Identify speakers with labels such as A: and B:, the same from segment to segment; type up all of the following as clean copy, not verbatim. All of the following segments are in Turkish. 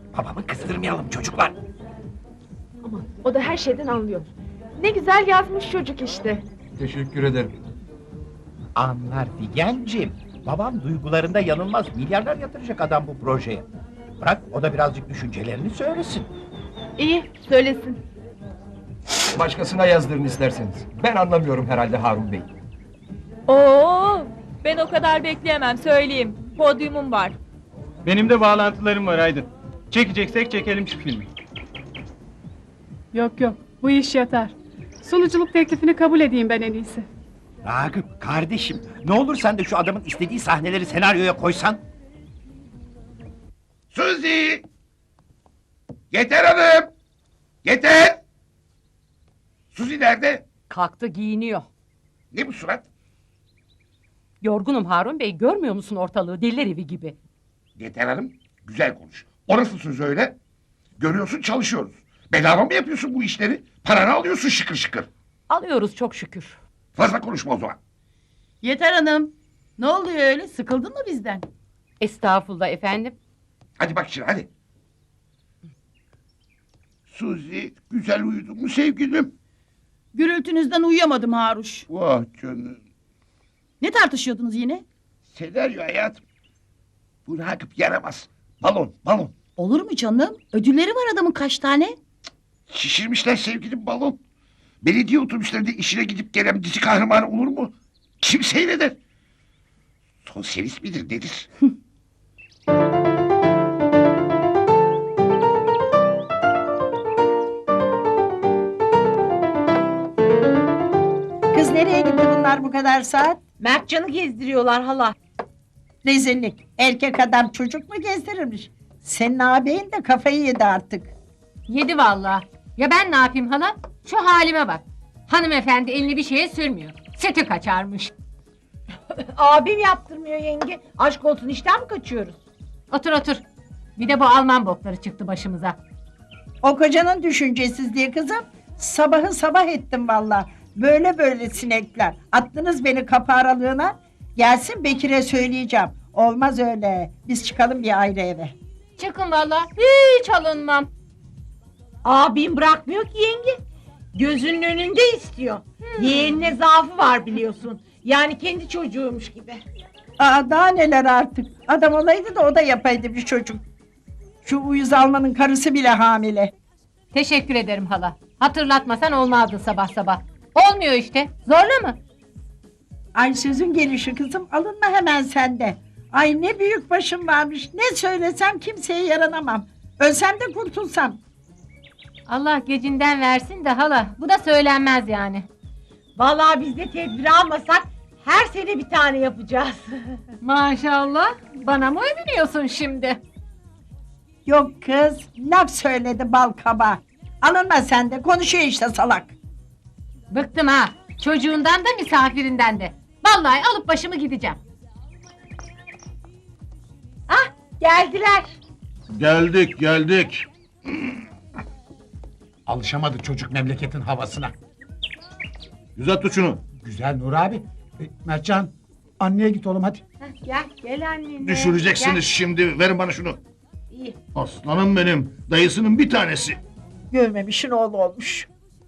A: Babamı kızdırmayalım çocuklar.
B: Aman o da her şeyden anlıyor. Ne güzel yazmış çocuk işte.
C: Teşekkür ederim.
A: Anlar Figenciğim. Babam duygularında yanılmaz. Milyarlar yatıracak adam bu projeye. Bırak o da birazcık düşüncelerini söylesin.
B: İyi söylesin.
C: Başkasına yazdırın isterseniz. Ben anlamıyorum herhalde Harun Bey.
D: Oo, ben o kadar bekleyemem söyleyeyim. Podyumum var.
E: Benim de bağlantılarım var Aydın. Çekeceksek çekelim şu filmi.
F: Yok yok, bu iş yatar. Sunuculuk teklifini kabul edeyim ben en iyisi.
A: Ragıp kardeşim, ne olur sen de şu adamın istediği sahneleri senaryoya koysan.
G: Suzi! Yeter hanım! Yeter! Suzi nerede?
H: Kalktı giyiniyor.
G: Ne bu surat?
H: Yorgunum Harun Bey, görmüyor musun ortalığı deliler evi gibi?
G: Yeter hanım, güzel konuş. O nasıl söz öyle? Görüyorsun çalışıyoruz. Bedava mı yapıyorsun bu işleri? Paranı alıyorsun şıkır şıkır.
H: Alıyoruz çok şükür.
G: Fazla konuşma o zaman.
I: Yeter hanım. Ne oluyor öyle? Sıkıldın mı bizden?
H: Estağfurullah efendim.
G: Hadi bak şimdi hadi. Suzi, güzel uyudun mu sevgilim?
I: Gürültünüzden uyuyamadım Haruş.
G: Vah canım.
I: Ne tartışıyordunuz yine?
G: Senaryo hayatım. Bu Ragıp yaramaz. Balon, balon.
I: Olur mu canım? Ödülleri var adamın kaç tane?
G: Şişirmişler sevgilim balon. Belediye otobüslerinde işine gidip gelen dizi kahramanı olur mu? Kim seyreder? Sosyalist midir nedir?
J: Kız nereye gitti bunlar bu kadar saat?
D: Mertcan'ı gezdiriyorlar hala.
J: Rezillik. Erkek adam çocuk mu gezdirirmiş? Senin ağabeyin de kafayı yedi artık.
H: Yedi vallahi. Ya ben ne yapayım hala? Şu halime bak. Hanımefendi elini bir şeye sürmüyor. Sütü kaçarmış.
D: Abim yaptırmıyor yenge. Aşk olsun işten mi kaçıyoruz?
H: Otur otur. Bir de bu Alman bokları çıktı başımıza.
J: O kocanın düşüncesizliği kızım. Sabahı sabah ettim valla. Böyle böyle sinekler. Attınız beni kapı aralığına. Gelsin Bekir'e söyleyeceğim. Olmaz öyle. Biz çıkalım bir ayrı eve.
H: Çıkın vallahi. Hiç alınmam.
D: Abim bırakmıyor ki yenge. Gözünün önünde istiyor. Yeğenine zaafı var biliyorsun. Yani kendi çocuğuymuş gibi.
J: Aa, daha neler artık. Adam olaydı da o da yapaydı bir çocuk. Şu uyuz Alman'ın karısı bile hamile.
H: Teşekkür ederim hala. Hatırlatmasan olmazdı sabah sabah. Olmuyor işte. Zorla mı?
J: Ay sözün gelişi kızım, alınma hemen sende. Ay ne büyük başım varmış. Ne söylesem kimseye yaranamam. Ölsem de kurtulsam.
H: Allah gecinden versin de hala. Bu da söylenmez yani.
D: Vallahi biz de tedbir almasak her sene bir tane yapacağız.
H: Maşallah. Bana mı övünüyorsun şimdi?
J: Yok kız, laf söyledi bal kaba. Alınma sen de, konuşuyor işte salak.
H: Bıktım ha. Çocuğundan da misafirinden de. Vallahi alıp başımı gideceğim.
D: Ah geldiler.
G: Geldik.
A: Alışamadı çocuk memleketin havasına.
G: Güzel tut şunu.
A: Güzel Nur abi. Mertcan, anneye git oğlum hadi.
D: Gel annene.
G: Düşüreceksiniz şimdi. Verin bana şunu.
D: İyi.
G: Aslanım benim. Dayısının bir tanesi.
J: Görmemişin oğlu olmuş.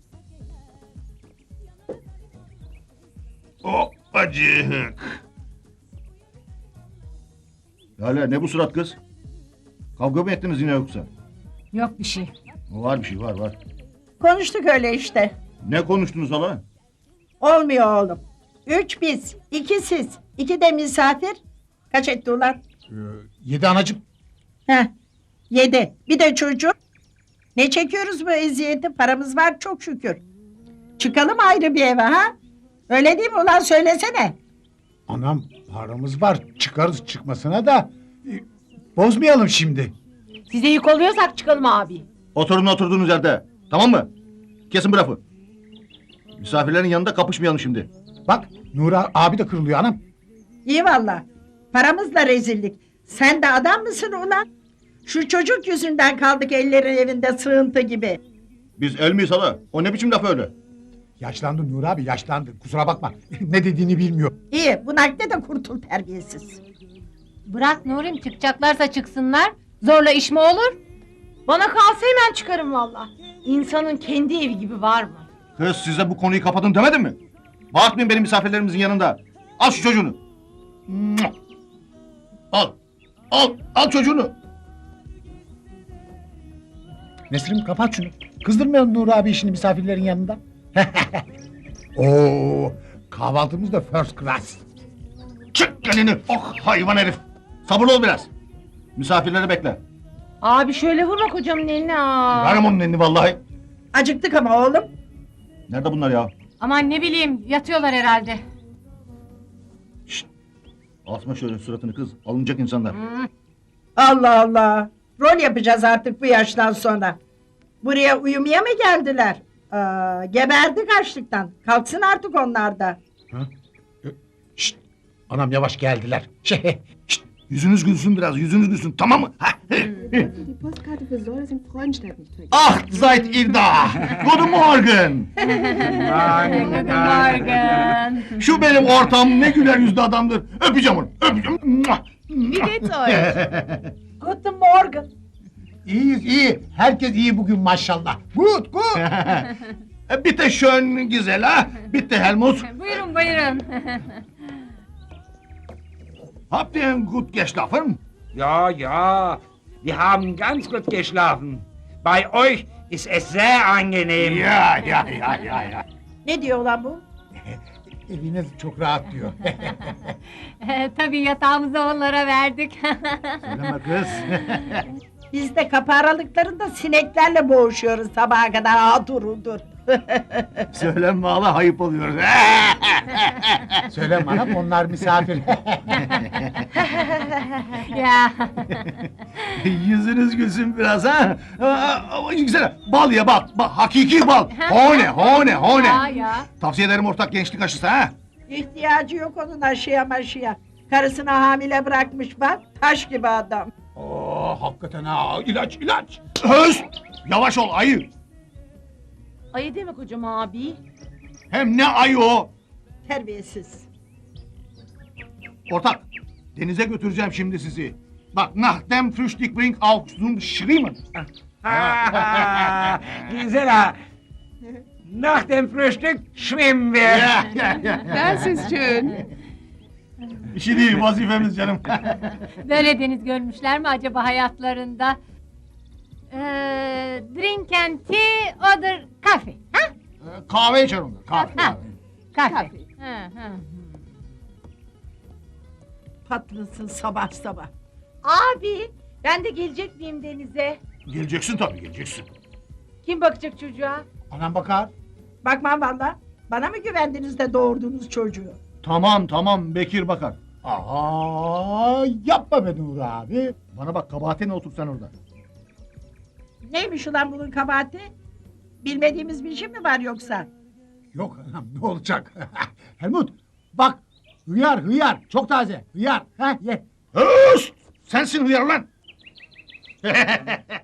G: O acık. Lale ne bu surat kız? Kavga mı ettiniz yine yoksa?
H: Yok bir şey.
G: Var bir şey var.
J: Konuştuk öyle işte.
G: Ne konuştunuz hala?
J: Olmuyor oğlum. 3 biz, 2 siz, 2 de misafir. Kaç etti ulan?
A: 7 anacığım.
J: Heh, 7. Bir de çocuk. Ne çekiyoruz bu eziyeti? Paramız var çok şükür. Çıkalım ayrı bir eve ha? Öyle değil mi ulan, söylesene.
K: Anam paramız var, çıkarız çıkmasına da bozmayalım şimdi.
D: Size yük oluyorsak çıkalım abi.
G: Oturun oturduğunuz yerde. Tamam mı? Kesin bu lafı. Misafirlerin yanında kapışmayalım şimdi.
K: Bak Nura abi de kırılıyor anam.
J: İyi valla. Paramızla rezillik. Sen de adam mısın ulan? Şu çocuk yüzünden kaldık ellerin evinde sığıntı gibi.
G: Biz el miyiz hala? O ne biçim laf öyle?
K: Yaşlandı Nura abi yaşlandı, kusura bakma. Ne dediğini bilmiyor.
J: İyi, bu nakde de kurtul terbiyesiz.
H: Bırak Nurim, çıkacaklarsa çıksınlar. Zorla iş mi olur?
D: Bana kalsa hemen çıkarım valla. İnsanın kendi evi gibi var mı?
L: Kız size bu konuyu kapatın demedim mi? Bağırtmayın benim misafirlerimizin yanında. Al şu çocuğunu. Mua! Al. Al çocuğunu.
K: Nesrin kapat şunu. Kızdırmayalım Nur abi işini misafirlerin yanında. Oo, kahvaltımız da first class.
L: Çık elini. Oh hayvan herif. Sabırlı ol biraz. Misafirleri bekle.
D: Abi şöyle vurma kocamın eline.
L: Verem onun elini vallahi.
J: Acıktık ama oğlum.
L: Nerede bunlar ya?
H: Aman ne bileyim yatıyorlar herhalde.
L: Asma şöyle suratını kız. Alınacak insanlar.
J: Allah Allah. Rol yapacağız artık bu yaştan sonra. Buraya uyumaya mı geldiler? Geberdik açlıktan. Kalksın artık onlar da.
K: Şşt, anam yavaş geldiler.
L: Şşt, yüzünüz gülsün biraz. Yüzünüz gülsün tamam mı? Ha?
B: Die Postkarte für Säure in Freudenstadt nicht vergessen.
L: Ah seid ihr da. Guten Morgen.
H: Guten Morgen.
L: Şu benim ortağım ne güler yüzlü adamdır. Öpeceğim onu. Öpeceğim. Mua!
B: Wie geht's euch?
J: Guten Morgen.
K: İyiyiz iyi. Herkes iyi bugün maşallah. Good.
L: Bitte schön güzel ha. Bitte Helmut.
H: Buyurun buyurun.
L: Habt ihr gut geschlafen?
A: Ja, ja, wir haben ganz gut geschlafen. Bei euch ist es sehr angenehm.
L: Ya.
J: Ne diyor lan bu?
K: Eviniz çok rahat diyor.
H: Tabii yatağımızı onlara verdik.
L: Söyleme kız.
J: Biz de kapı aralıklarında sineklerle boğuşuyoruz sabaha kadar. Hudur.
L: Söyleme hala ayıp oluyor.
K: Söyle bana onlar misafir.
H: Ya.
L: Yüzünüz gülsün biraz ha. Ama güzel. Bal ya bal. Hakiki bal. Hone.
H: Ya.
L: Tavsiye ederim ortak gençlik aşısı ha.
J: İhtiyacı yok onun aşıya maşıya. Karısını hamile bırakmış bak. Taş gibi adam.
K: Hakikaten ha. İlaç.
L: Höst! Yavaş ol ayı.
D: Ayı deme kocam abi.
L: Hem ne ayı o?
J: Terbiyesiz.
L: Ortak. Denize götüreceğim şimdi sizi. Bak nach dem Frühstück bring auch zum Schwimmen.
A: Gisela, nach dem Frühstück schwimmen wir.
B: Das ist schön.
L: İşi değil vazifemiz canım.
H: Böyle deniz görmüşler mi acaba hayatlarında? Drink and tea, order coffee. Ha?
L: Kahve içer onlar. Kahve.
H: Kahve.
J: Patlasın sabah sabah.
D: Abi ben de gelecek miyim denize?
L: Geleceksin tabii geleceksin.
D: Kim bakacak çocuğa?
K: Anam bakar.
J: Bakmam valla. Bana mı güvendiniz de doğurdunuz çocuğu?
L: Tamam Bekir bakar.
K: Aha, yapma be Nur abi.
L: Bana bak kabahatine otur sen orada.
J: Neymiş ulan bunun kabahati? Bilmediğimiz bir şey mi var yoksa?
K: Yok anam ne olacak? Helmut bak hıyar çok taze hıyar. Ye.
L: Höst! Sensin hıyar lan.